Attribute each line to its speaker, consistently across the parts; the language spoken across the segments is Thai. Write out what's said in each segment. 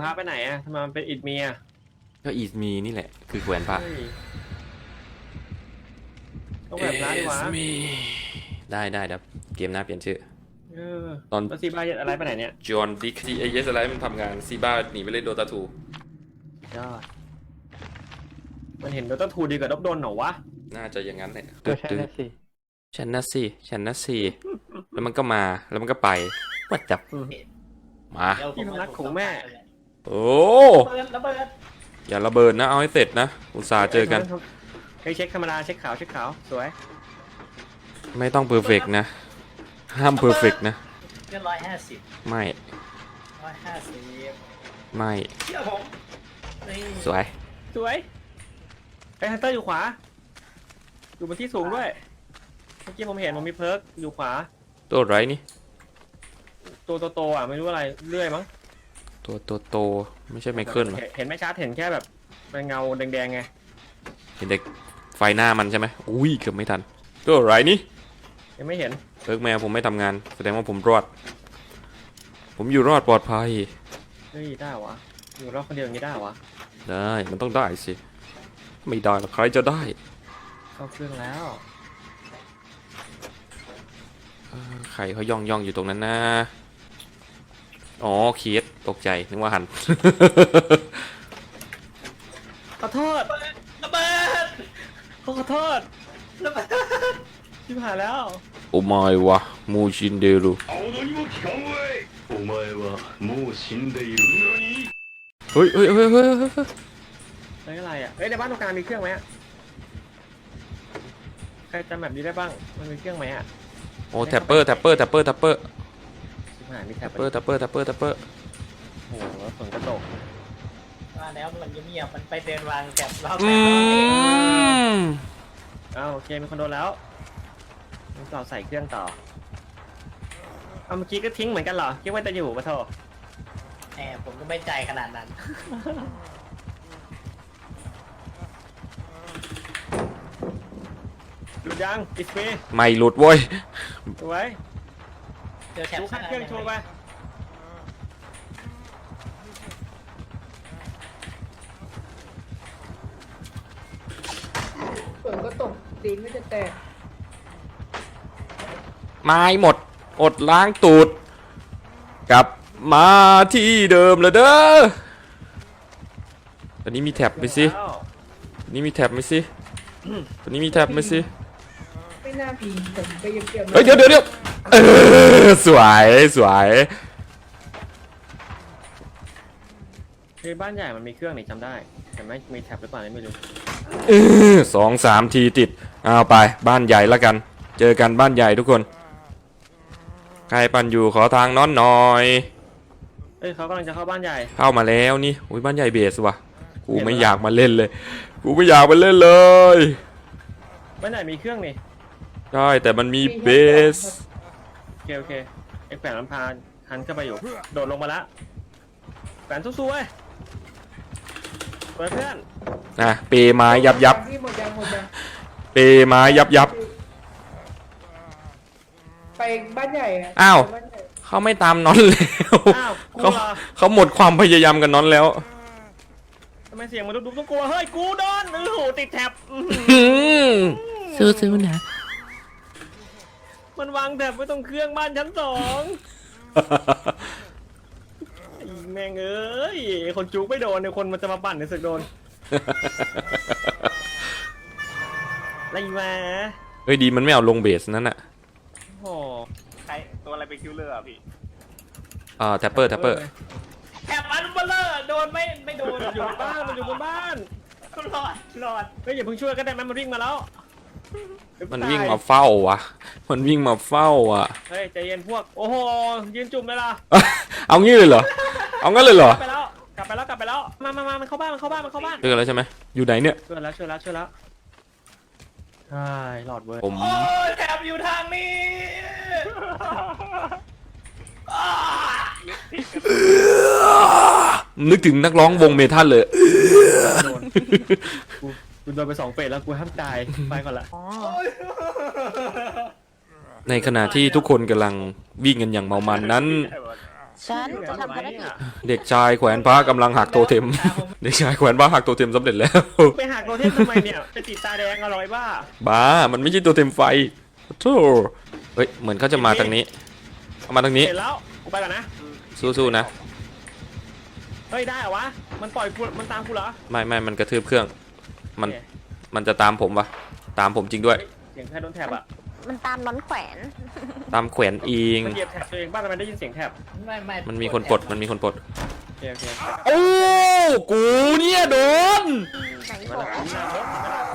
Speaker 1: ระไปไหนอะทำไมมันเป็นอิฐเมีย
Speaker 2: ก็อีมีนี่แหละคือแขวนพระ
Speaker 1: ต้องแบบพระดีกว่า
Speaker 2: ได้ครับเกมหน้าเปลี่ยนชื่อ
Speaker 1: ตอนซีบ้าอะไรไปไหนเนี่ย
Speaker 2: จอห์นดิกที่AESอะไรมันทำงานซีบ้าหนีไปเล่นโดตาทู
Speaker 1: ยอดมันเห็นโดต้าทูดีกว่าดบโดนเหรอวะ
Speaker 2: น่าจะอย่างนั้นแหละ
Speaker 3: ฉันนะสิ
Speaker 2: ฉันนะสิแล้วมันก็มาแล้วมันก็ไปวัดจับมา
Speaker 1: ที่พนักของแม่
Speaker 2: โอ้
Speaker 3: ระเบิด
Speaker 2: อย่าระเบิดนะเอาให้เสร็จนะอุตส่าห์เจอกัน
Speaker 1: เช็คธรรมดาเช็คขาวสวย
Speaker 2: ไม่ต้องเพอร์เฟกนะห้ามเพอร์เฟกนะ
Speaker 3: เกิน150
Speaker 2: ไม่
Speaker 3: 150
Speaker 2: ไม่
Speaker 3: เชื่อผม
Speaker 2: สวย
Speaker 1: ไอ้ฮันเตอร์อยู่ขวาอยู่บนที่สูงด้วยเมื่อกี้ผมเห็นมันมีเพิร์กอยู่ขวา
Speaker 2: ตัวไรนี่
Speaker 1: ตัวโตอ่ะไม่รู้อะไรเลื่อยมั้ง
Speaker 2: ตัวโตไม่ใช่ไมเคิล
Speaker 1: เห็นไม่ชัดเห็นแค่แบบเป็นเงาแดงๆไง
Speaker 2: เห็นแต่ไฟหน้ามันใช่ไหมอุ้ยเกือบไม่ทันตัวไรนี่
Speaker 1: ยังไม่เห็น
Speaker 2: เพิร์กแมวผมไม่ทำงานแสดงว่าผมรอดผมอยู่รอดปลอดภัย
Speaker 1: เฮ้ยได้วะอยู่รอดคนเดียวอย่างนี้ได้วะ
Speaker 2: ได้มันต้องได้สิไม่ได้หรอกใครจะได้
Speaker 1: เข้าเครื่องแล้ว
Speaker 2: ใครเขาย่องอยู่ตรงนั้นนะอ๋อเคสตกใจนึกว่าหัน
Speaker 1: ขอโทษ
Speaker 3: ระเบิด
Speaker 1: ขอโทษ
Speaker 3: ระเบิด
Speaker 1: ชิบหายแล้ว
Speaker 2: โอ้ไม่วะมูชินเดรุเฮ้ย
Speaker 1: อะไรอ่ะในบ้านตรงกลางมีเครื่องไหมใครจำแบบนี้ได้บ้างมันมีเครื่องไหมอ่ะ
Speaker 2: โอ้แท็ปเปอร์
Speaker 1: มีแท็ปเปอ
Speaker 2: ร์
Speaker 1: โอ้โหฝนกระตก
Speaker 3: ว่าแล้วมันเงียบมันไปเดินวางแถบรอบ
Speaker 1: โอเคมีคนโดนแล้วต่อใส่เครื่องต่อเมื่อกี้ก็ทิ้งเหมือนกันเหรอคิดว่าจะอยู่ปะโถ
Speaker 3: ผมก็ไม่ใจขนาดนั้น
Speaker 1: หลุดยังอิสเป
Speaker 2: ไม่หลุดโว้ย
Speaker 1: ดูไว้
Speaker 3: เดี๋ยวแถบ
Speaker 1: เครื่องโชว์ไป
Speaker 4: ฝนก็ตกตีนไม่จะแตก
Speaker 2: ไม้หมดอดล้างตูดกลับมาที่เดิมเลยเด้อตอนนี้มีแท็บไหมสิตอนนี้มีแท็บไหมสิ
Speaker 4: ไม่น่าผีผมไปเก็บ
Speaker 2: เฮ้ยเดี๋ยวสวย
Speaker 1: บ้านใหญ่มันมีเครื่องนี่จำได้แต่ไม่มีแท็บหรือเปล่าไม่รู้
Speaker 2: 2-3 ทีติดเอาไปบ้านใหญ่ละกันเจอกันบ้านใหญ่ทุกคนใครปั่นอยู่ขอทางน้อนหน่อย
Speaker 1: เขากำลังจะเข้าบ้านใหญ่
Speaker 2: เข้ามาแล้วนี่อุ้ยบ้านใหญ่เบสว่ะกูไม่อยากมาเล่นเลยบ้านใหญ่
Speaker 1: มีเครื่องนี่
Speaker 2: ใช่แต่มันมีเบส
Speaker 1: โอเคไอ้แฝงลำพานหันเข้าไปอยู่โดดลงมาละแฝงสู้ๆเว้ยเพื่อน
Speaker 2: เปไม้ยับเปไม้ยับ
Speaker 4: ไปบ้านใหญ่
Speaker 2: อ้าวเขาไม่ตามน้อนแล้วเขาหมดความพยายามกันน้อนแล้ว
Speaker 1: ทำไมเสียงมันดุต้องกลัวเฮ้ยกูโดนติดแท็บ
Speaker 2: ซื้อนะ
Speaker 1: มันวางแท็บไว้ตรงเครื่องบ้านชั้น2แม่งเอ้ยคนจุกไม่โดนเนี่ยคนมันจะมาปั่นในศึกโดนอะไรมา
Speaker 2: เฮ้ยดีมันไม่เอาลงเบสนั่นน่ะ
Speaker 1: โอ้ใครตัวอะไรเป็นคิวเลอร์อ่ะพี่
Speaker 2: แท็ปเปอร์
Speaker 3: แถบอันเบลเลอร์โดนไม่โดน
Speaker 1: อยู่บ้านมันอยู่บนบ้าน
Speaker 3: รอด
Speaker 1: เฮ้ยอย่าเพิ่งช่วยก็ได้ไหมมันวิ่งมาแล้ว
Speaker 2: มันวิ่งมาเฝ้าวะเ
Speaker 1: ฮ้ยใจเย็นพวกโอ้โหยืนจุ่มเลยล่ะ
Speaker 2: เอางี้เลยเหรอเอางั้นเลยเหรอก
Speaker 1: ลับไปแล้วมามันเข้าบ้าน
Speaker 2: เจอแล้วใช่ไหมอยู่ไหนเนี่ย
Speaker 1: ช่วยแล้วใช่หลอดเว้ย
Speaker 3: โอ้ยแถบอยู่ทางนี้
Speaker 2: นึกถึงนักร้องวงเมทัลเลย
Speaker 1: กูโดนไป2 เฟสแล้วกูห้ามตายไปก่อนละ
Speaker 2: ในขณะที่ทุกคนกำลังวิ่งกันอย่างเมามันนั้น
Speaker 5: ฉันจะทำภารกิจ
Speaker 2: เด็กชายแขวนพระกำลังหักโทเทม เด็กชายแขวนพระหักโทเทมสำเร็จแล้ว
Speaker 1: ไปหักโรเทมทำไมเนี่ยไปติดตาแดงอร่อยบ้า
Speaker 2: บ้ามันไม่ใช่โทเทมไฟโธ่เฮ้ยเหมือนเขาจะมาทางนี้เอามาทางนี้
Speaker 1: เห็นแล้วกูไปก่อนนะ
Speaker 2: สู้ๆนะ
Speaker 1: เฮ้ยได้เหรอวะมันปล่อยกูมันตามกูเหรอ
Speaker 2: ไม่มันกระทืบเครื่องมัน
Speaker 1: โอเค
Speaker 2: มันจะตามผมปะตามผมจริงด้วย
Speaker 1: เสียงใครโดนแถบอ่ะ
Speaker 5: มันตามน้อนแขวน
Speaker 2: ตามแขวนอิง
Speaker 1: มันเหยียบแถบตัวเองบ้างทำไมได้ยินเสียงแถบ
Speaker 3: ไม่
Speaker 2: มันมีคนปลดมันมีคนปลด
Speaker 1: โอเคโอเค
Speaker 2: โอ้กูเนี่ยโดน
Speaker 5: ไหน
Speaker 1: มัน
Speaker 5: บอก
Speaker 1: หน้ารถ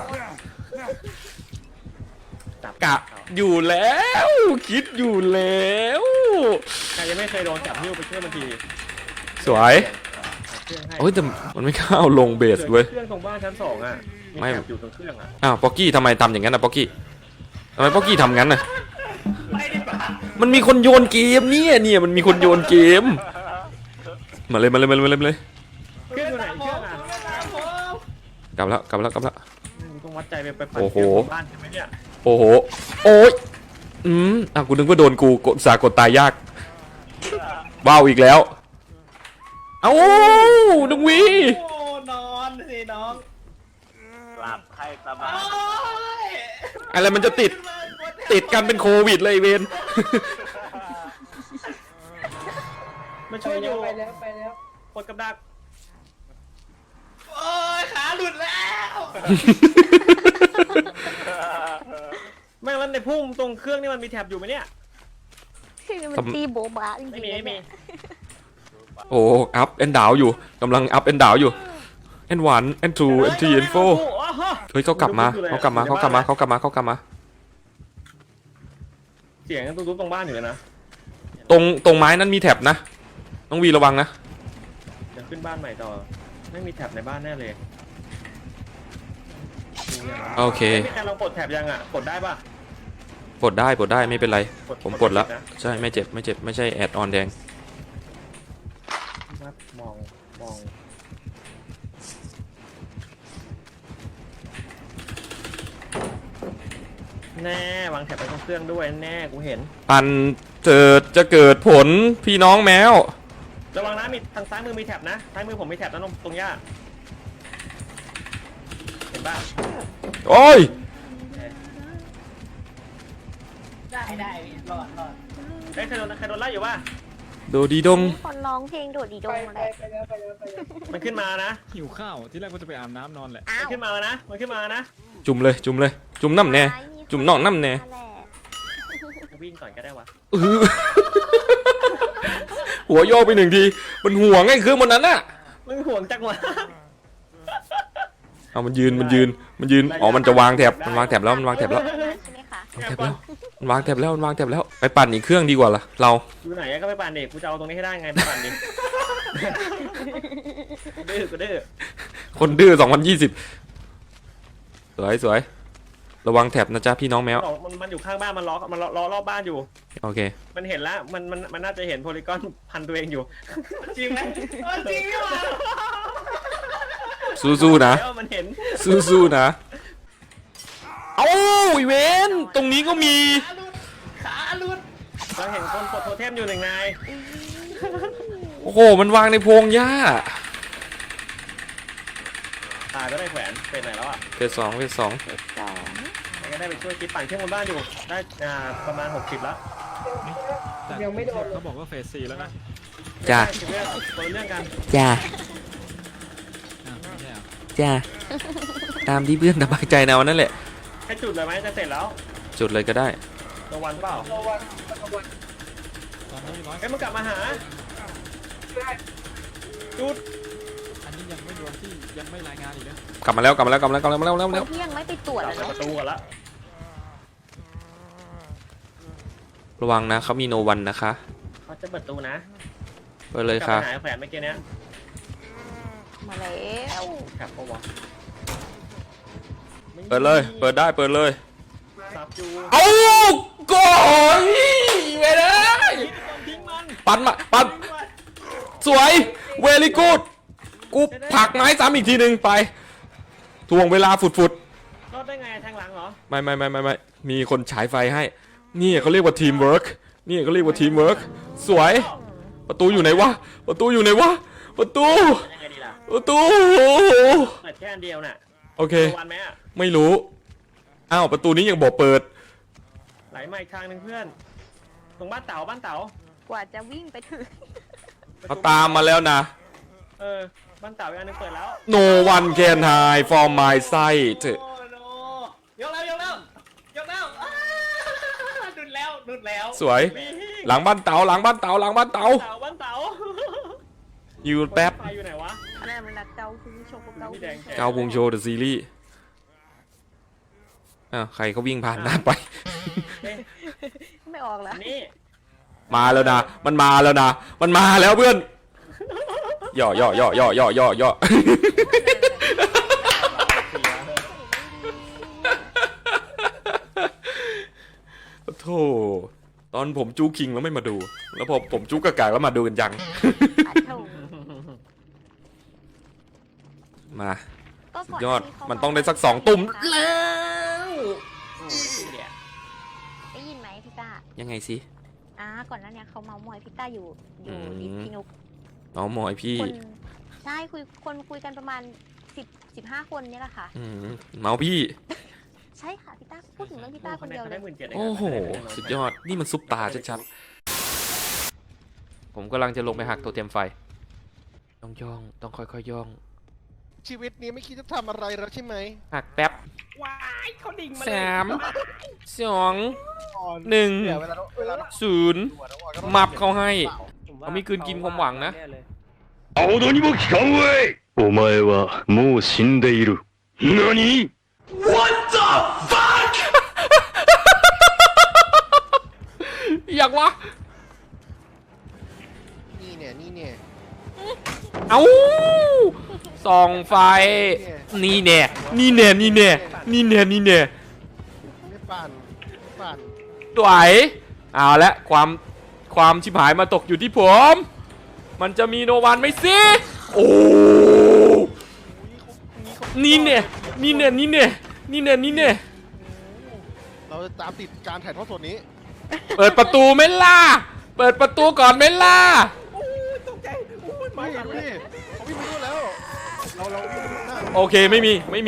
Speaker 1: จับ
Speaker 2: กะอยู่แล้วคิดอยู่แล้ว
Speaker 1: ใครยังไม่เคยโดนจับนิ้วไปช่วยมันที
Speaker 2: สวย
Speaker 1: เครื่องให้
Speaker 2: โอ้ยแต่มันไม่เข้าลงเบสเว้ย
Speaker 1: เครื่องตรงบ้านชั้น2อ่ะมี
Speaker 2: ไม่
Speaker 1: แถบอยู่ตรงเครื่องอ่ะ
Speaker 2: อ้าวป๊อกกี้ทำไมทำอย่างนั้นนะป๊อกกี้ทำไมป๊อกกี้ทำงั้นน่ะ
Speaker 3: ไม่ได้ปะ
Speaker 2: มันมีคนโยนเกมเนี่ยมันมีคนโยนเกมมาเลย
Speaker 1: เครื่องอยู่ไหนเครื่องอ่ะ
Speaker 2: กลับแล้ว
Speaker 1: ต้องวัดใจไปปั่น
Speaker 2: โอ้โห
Speaker 1: เครื่องของบ้านใช่ไหมเนี่ย
Speaker 2: โอ้โหโอ้ยกูนึกว่าโดนกูกดสากดตายยากว้าวอีกแล้วเอ้าน้องวี
Speaker 3: โอ้นอนสิน้องหลับให้สบาย
Speaker 2: อะไรมันจะติดกันเป็นโควิดเลยเวน
Speaker 1: มันช่วยอยู่
Speaker 4: ไปแล้วไปแล้ว
Speaker 1: กดกับดัก
Speaker 3: โอ้ยขาหลุดแล้ว
Speaker 1: ไม่แล้วในพุ่มตรงเครื่องนี่มันมีแถบอยู่ไหมเนี่ย
Speaker 5: คือมันตีโบบะจริง
Speaker 1: ไม่
Speaker 5: ๆ
Speaker 1: มี
Speaker 5: นะ
Speaker 1: ไม่มี
Speaker 5: เนี่ย
Speaker 2: โอ้อัพแอนดาวอยู่กำลังอัพแอนดาวอยู่แอนวันแอนทูแอนทีแอนโฟเฮ้ยเขากลับมา
Speaker 1: เสียงตุ้มๆตรงบ้านอยู่เลยนะ
Speaker 2: ตรงไม้นั้นมีแท็บนะน้องวีระวังนะ
Speaker 1: เดี๋ยวขึ้นบ้านใหม่ต่อไม่มีแถบในบ้านแน่เลย
Speaker 2: โอเค
Speaker 1: มีการลองปลดแถบยังอ่ะกดได้ป่ะ
Speaker 2: ปลดได้ไม่เป็นไรผมปลดแล้ว
Speaker 1: นะ
Speaker 2: ใช่ไม่เจ็บไม่ใช่แอดออนแดง
Speaker 1: มองแน่วางแถบไปตรงเครื่องด้วยแน่กูเห็น
Speaker 2: ปันจะเกิดผลพี่น้องแมว
Speaker 1: ระวังนะมีทางซ้ายมือมีแถบนะซ้ายมือผมมีแถบนะตรงหญ้าเห็นป่ะ
Speaker 2: โอ้ย
Speaker 3: ได้รอด
Speaker 1: เอ้ยใครโดนไล่อยู่ป่ะ
Speaker 2: โดดีดง
Speaker 5: มีคนร้องเพลงโดดดีด
Speaker 4: ไป
Speaker 5: งมา
Speaker 4: ไป
Speaker 5: แล้ว
Speaker 4: ไปแล้วไปแล้วไปแล้ว
Speaker 1: มันขึ้นมานะ
Speaker 6: หิวข้าวที่แรกว่าจะไปอาบน้ำนอนแหละ
Speaker 5: อ้า
Speaker 1: มัน
Speaker 5: ว
Speaker 1: ขึ้นมานะมันขึ้นมานะ
Speaker 2: จุ่มเลยจุ่มน้ำแน่จุ่มนอกน้ำแน่
Speaker 5: แหละ
Speaker 1: วิ่งก่อนก็ได้วะ
Speaker 2: อื้อหัวโยกไปหนึ่งทีมันห่วงไอ้เครื่องบนนั้นน่ะ
Speaker 1: มึงห่วงจังวะ
Speaker 2: เอามันยืนอ๋อมันจะวางแถบมันวางแถบแล้ว
Speaker 5: ใช่ไหมคะ
Speaker 2: มันวางแถบแล้วไปปั่นอีกเครื่องดีกว่าล่ะเรา
Speaker 1: อยู่ไหนก็ไปปั่นดิกูจะเอาตรงนี้ให้ได้ไงไปปั่นดิกูดื้อ
Speaker 2: คนดื้อ2020สวยระวังแถบนะจ๊ะพี่น้องแมว
Speaker 1: มันอยู่ข้างบ้านมันล้อรอบบ้านอยู่
Speaker 2: โอเค
Speaker 1: มันเห็นแล้วมันน่าจะเห็นโพลีกอนพันตัวเองอยู่
Speaker 3: จริงไหมจริงหรือเปล่า
Speaker 2: สู้ๆนะ
Speaker 1: แล้วมันเห็น
Speaker 2: สู้ๆนะเอ้าอีเวนตรงนี้ก็มี
Speaker 3: ขาหลุด
Speaker 1: เราเห็นคนกดโทเทมอยู่หนึ่งนาย
Speaker 2: โอ้โหมันวางในโพรงหญ้า
Speaker 1: ตายก็ได้แขวนเป็นไหนแล้วอ่ะ
Speaker 2: เฟสสอง
Speaker 5: สอง
Speaker 1: ก็ได้ไปช่วยคิดปั่นเครื่องบนบ้านอยู่ได้ประมาณ60แล้ว
Speaker 6: แต่
Speaker 4: ยังไม่โดนเลย
Speaker 6: เขาบอกว่าเฟส4แล้วนะ
Speaker 2: จ้า
Speaker 1: คนละเรื่องกัน
Speaker 2: จ้า
Speaker 6: อ้าวไม่ใช่เหรอ
Speaker 2: จ้าตามที่เพื่อนสบายใจนะวันนั่นแหละ
Speaker 1: แค่จุดเลยไหมจะเสร็จแล้ว
Speaker 2: จุดเลยก็ได้
Speaker 1: ระวันเปล่า
Speaker 4: ระวังระวัง
Speaker 6: ตอนนี้ร้อย
Speaker 1: เอ้ยมันกลับมาหาจุด
Speaker 6: อันนี้ยังไม่รวมที่ยังไม่รายงานอีกนะ
Speaker 2: กลับมาแล้ว
Speaker 5: คนที่ยังไม่ไปตรวจ
Speaker 1: เรา
Speaker 5: อะ
Speaker 1: ประตูก่อนละ
Speaker 2: ระวังนะเขามีโนวันนะคะ
Speaker 1: เขาจะเปิดประตูนะ
Speaker 2: เปิดเลย
Speaker 1: กลับ
Speaker 2: ค่ะ
Speaker 1: ไปหาแขวนเมื่อกี้เนี้ย
Speaker 5: มาแล้ว
Speaker 1: ขับปะวะ
Speaker 2: เปิดได้เปิดเลย
Speaker 1: ซับจู
Speaker 2: เอาก่อนไปเลยปั่นสวยเวลี่กูดกูผลักไม้ซ้ำอีกทีหนึ่งไปทวงเวลาฝุด
Speaker 1: รอดได้ไงแทงหลังเหรอ
Speaker 2: ไม่มีคนฉายไฟให้นี่เขาเรียกว่าทีมเวิร์กสวยประตูอยู่ไหนวะประตูอยู่ไหนวะประตู
Speaker 1: ยังไงดีล่ะ
Speaker 2: ประตู
Speaker 1: เปิดแค่อันเดียวน่ะ
Speaker 2: โอเค
Speaker 1: วันไหมอะ
Speaker 2: ไม่รู้อ้าวประตูนี้ยังบอกเปิด
Speaker 1: ไหลมาอีกทางหนึ่งเพื่อน ตรงบ้านเต๋าก
Speaker 5: ว่าจะวิ่งไปถึง
Speaker 2: เขาตามมาแล้วนะ
Speaker 1: บ้านเต๋าอีกอันหนึงเปิดแล้ว
Speaker 2: No one can hide from my sight
Speaker 3: โอ้โนยกแล้วดุดแล้ว
Speaker 2: สวย หลังบ้านเต๋าหลังบ้านเต๋าหลังบ้านเต๋า
Speaker 1: บ้านเต๋า
Speaker 2: อยู่แป๊บ
Speaker 1: ไฟอยู่ไหนวะ
Speaker 5: อะไรมันรักเกาคือโชว์เกา
Speaker 1: พี่แดงแข
Speaker 2: เกาพุงโชว์เดอะซีรีส์อ้าวใครเขาวิ่งผ่านหน้าไป
Speaker 1: เอ๊ะ
Speaker 5: ไม่ออกแล้ว
Speaker 1: นี่
Speaker 2: มาแล้วนะมันมาแล้วนะมันมาแล้วเพื่อนย่อย่อย่อย่อย่อย่อย่อโธ่ตอนผมจู้คิงแล้วไม่มาดู แล้วพอผมจู้กากากแล้วมาดูกันจัง
Speaker 5: อัดเท่า
Speaker 2: มา
Speaker 5: ก็
Speaker 2: สุ
Speaker 5: ก่
Speaker 2: ดยอด
Speaker 5: ที่เขา
Speaker 2: มันต้องได้สัก2 ตุ่มแล้ว
Speaker 1: โอ้ยเนี่ย
Speaker 5: ได้ยินไหมพี่ต้า
Speaker 2: ยังไงสิ
Speaker 5: ก่อนหน้านี้เขาเมามอยพี่ต้าอยู่
Speaker 2: อืม
Speaker 5: ดิสพี่นุก
Speaker 2: น้องหมอยพี่
Speaker 5: คนใช่คุยกันประมาณ15 คนเนี่ยแหละค่ะ
Speaker 2: เมาพี่
Speaker 5: ใช่ค่ะพี่ต้าพูดถึงเรื่องพี่ต้าคนเดียวเลย
Speaker 1: 17,000
Speaker 2: โอ้โห สุดยอด นี่มันซุปตาชัดๆ ผมกำลังจะลงไปหักตัวเต็มไฟ ต้องย่อง ต้องค่อยๆย่อง
Speaker 7: ชีวิตนี้ไม่คิดจะทำอะไรแล้วใช่ไหม
Speaker 2: หักแป๊บ
Speaker 3: ว้ายเขาดิ่งมา
Speaker 2: 3 2
Speaker 7: เนี่ยเวลาเรา
Speaker 2: 1 0 มับเขาให้ เขามีคืนกินความหวังนะ
Speaker 8: 青野にも聞かんわいお前はもう死んでいる。何
Speaker 2: อยากวะ
Speaker 7: นี่เนี่ย
Speaker 2: เอ้าส่องไฟ นี่แน่ นี่แน่ นี่แน่ นี่แน่ นี่แน่
Speaker 7: ไม่ปั่น
Speaker 2: สวยเอาละความชิบหายมาตกอยู่ที่ผม มันจะมีโนวันไหมสิ โอ้นี่เนี่ย นี่เนี่ย นี่เนี่ย นี่เนี่ย นี่เนี่ย
Speaker 7: เราจะตามติดการถ่ายทอดสดนี้
Speaker 2: เปิดประตูไหม่ล่ะ เปิดประตูก่อนไหม่ล่ะ
Speaker 7: ไม่ดูดิเขาวิ่งไปนู่นแล้ว เราวิ่งไปดูหน้า
Speaker 2: โอเคไม่มี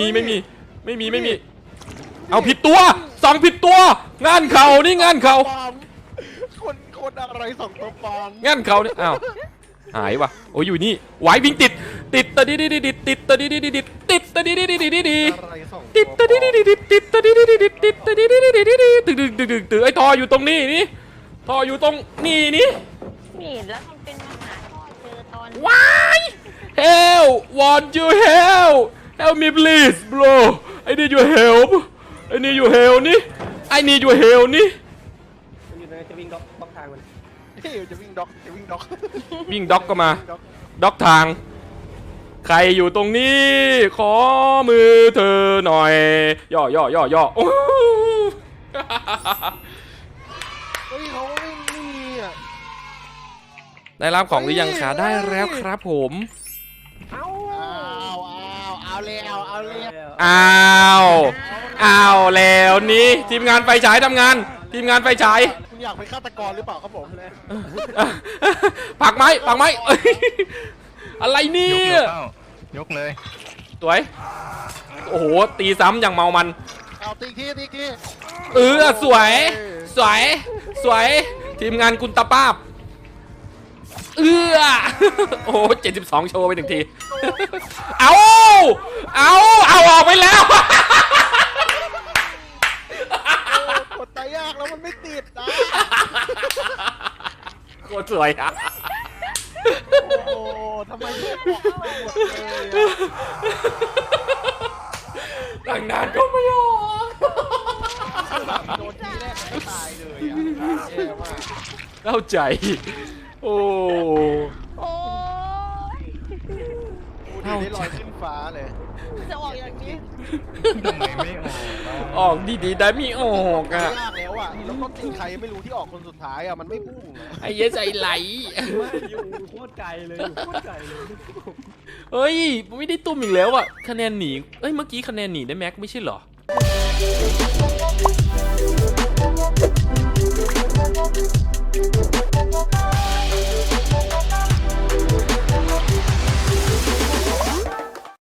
Speaker 2: เอาผิดตัวสองผิดตัว งานเขานี่งานเขา
Speaker 7: ปลอมคนอะไรส่องตัวปลอม
Speaker 2: งานเขานี่อ้าวหายวะโอ้ยอยู่นี่ไหววิ่งติดตะดิดิดิติดตะดิดิดิติดตะดิดิดิดิดิ
Speaker 7: อะไรส่อง
Speaker 2: ติดตะดิดิดิติดตะดิดิดิติดตะดิดิดิดิตึกไอ้ท่ออยู่ตรงนี้นี่ท่ออยู่ตรงนี่นี่
Speaker 5: ไม่เห็นแล้วมันเป็นมหาพ่อเจอตอน
Speaker 2: ว้าย Help want you help me please bro I need your help I need your help นี่ I need your help นี่
Speaker 3: มันอยู่ในจะวิ่งบล็อกทางมัน
Speaker 7: เฮ้ยจะวิ่งด็อก
Speaker 2: วิ่งด็อกก็มา ด็อกทาง ใครอยู่ตรงนี้ ขอมือเธอหน่อย ย่อโอ้
Speaker 7: เฮ้ยเขาไม่มีอ่ะ
Speaker 2: ได้รับของหรือยังคะได้แล้วครับผม
Speaker 7: เอาแล้ว
Speaker 2: อ้าวแล้วนี่ทีมงานไฟฉายทำงาน ทีมงานไฟฉาย
Speaker 7: คุณอยากเป็นฆาตกรหรือเปล่าครับผม
Speaker 2: ผักไม้เอ้ยอะไรเนี่ย
Speaker 8: ยกเลย
Speaker 2: สวย โอ้โห ตีซ้ำอย่างเมามัน
Speaker 7: เอาตีอีกที
Speaker 2: สวย ทีมงานกุลตาป้าบโอ้โห72 โชว์ไป1 ที เอาออกไปแล้ว
Speaker 7: กดตายยากแล้วมันไม่ติดนะ
Speaker 2: โคตรสวยอ่ะ
Speaker 7: โอ้โหทำไมไม่บอกมาหมดเลยอะ
Speaker 2: ตั้งนานก็ไม่ออก
Speaker 7: โดนทีแรกมันก็ตายเลยอ่ะแย่มาก
Speaker 2: เข้าใจ โอ้
Speaker 5: โอ้ย
Speaker 7: ดูดิได้ลอยขึ้นฟ้าเลย
Speaker 5: จะออกอย่างนี้
Speaker 8: ทำไมไม่ออก
Speaker 2: ออกดีๆได้ไม่ออกอ่ะ
Speaker 7: ยากแล้วอ่ะแล้วก็ตีใครไม่รู้ที่ออกคนสุดท้ายอ่ะมันไม่พุ่งอะ
Speaker 2: ไอ้เย้ใจไหล
Speaker 3: อยู่โคตรไกลเลยอยู่โคตรไกลเลย
Speaker 2: เฮ้ย ไม่ได้ตุ้มอีกแล้วอ่ะ คะแนนหนี เอ้ย เมื่อกี้คะแนนหนีได้แม็กไม่ใช่เหรอ